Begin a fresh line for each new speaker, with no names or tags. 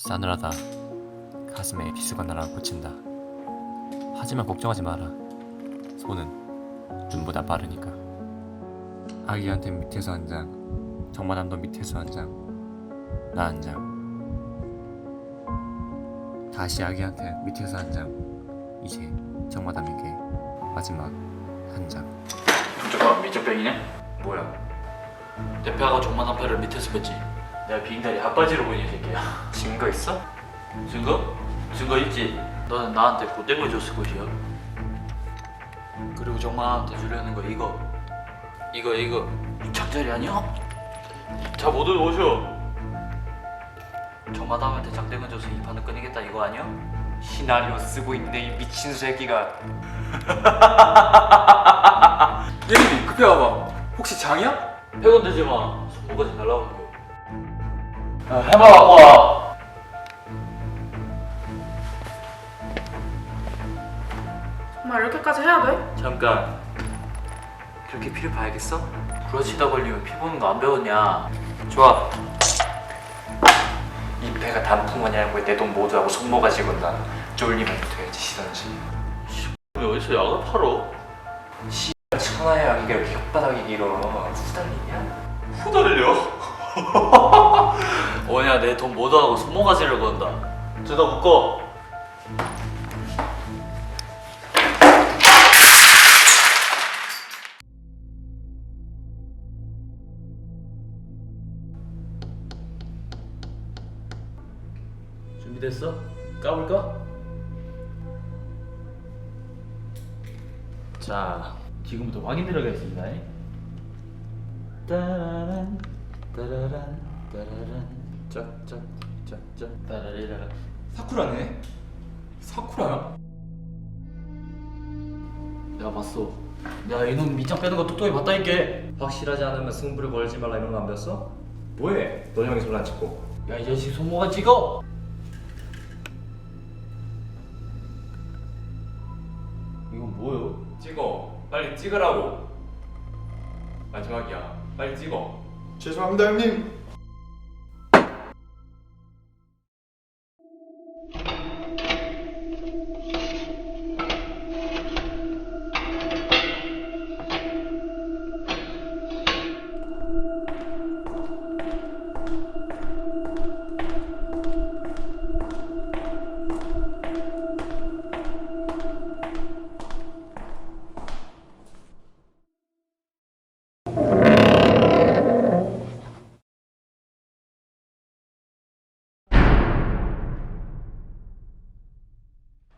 싸늘하다. 가슴에 비수가 날아 꽂힌다. 하지만 걱정하지 마라. 손은 눈보다 빠르니까. 아기한테 밑에서 한 장, 정마담도 밑에서 한 장, 나 한 장. 다시 아기한테 밑에서 한 장, 이제 정마담에게 마지막 한 장.
잠깐 밑장병이네?
뭐야?
내 폐하가 종만한 폐를 밑에서 뺐지. 내가 비행다리 핫바지로 보니 이 새끼야.
증거 있어?
증거? 증거 있지. 너는 나한테 고땡을 줬을 것이야. 그리고 정만한테 주려는 거 이거 이 장자리 아니야? 자 모두 오셔. 정마담한테 장땡을 줘서 이 판을 끊이겠다 이거 아니야?
시나리오 쓰고 있네 이 미친 새끼가.
예림이 급해 와봐. 혹시 장이야?
패건 되지 마. 손목까지 날라오는 거. 야 해봐 갖고 와.
정말 이렇게까지 해야 돼?
잠깐. 그렇게 피를 봐야겠어? 부러지다 걸리면 피 보는 거 안 배웠냐? 좋아.
이 배가 단풍마냐고 내 돈 모두 하고 손모가지 건다. 쫄리면 돼야지 시던지.
왜 어디서 약을 팔어?
천하의 아기가 이렇게 혓바닥이 길어. 후달리냐?
후달려? 뭐냐 내 돈 모두 하고 손모가지를 건다. 저다 묶어. 준비됐어? 까볼까? 자, 지금부터 확인 들어가겠습니다. 따라란 따라란 따라란 짝짝짝짝 따라리라라.
사쿠라네. 사쿠라야?
내가 봤어. 내가 이놈 밑장 빼는 거 똑똑히 봤다니까.
확실하지 않으면 승부를 걸지 말라 이런 거 안 배웠어? 뭐해? 너 형이 손 안 찍고.
야 이 자식 손모가 찍어. 이건 뭐요?
찍어. 빨리 찍으라고. 마지막이야. 빨리 찍어.
죄송합니다 형님.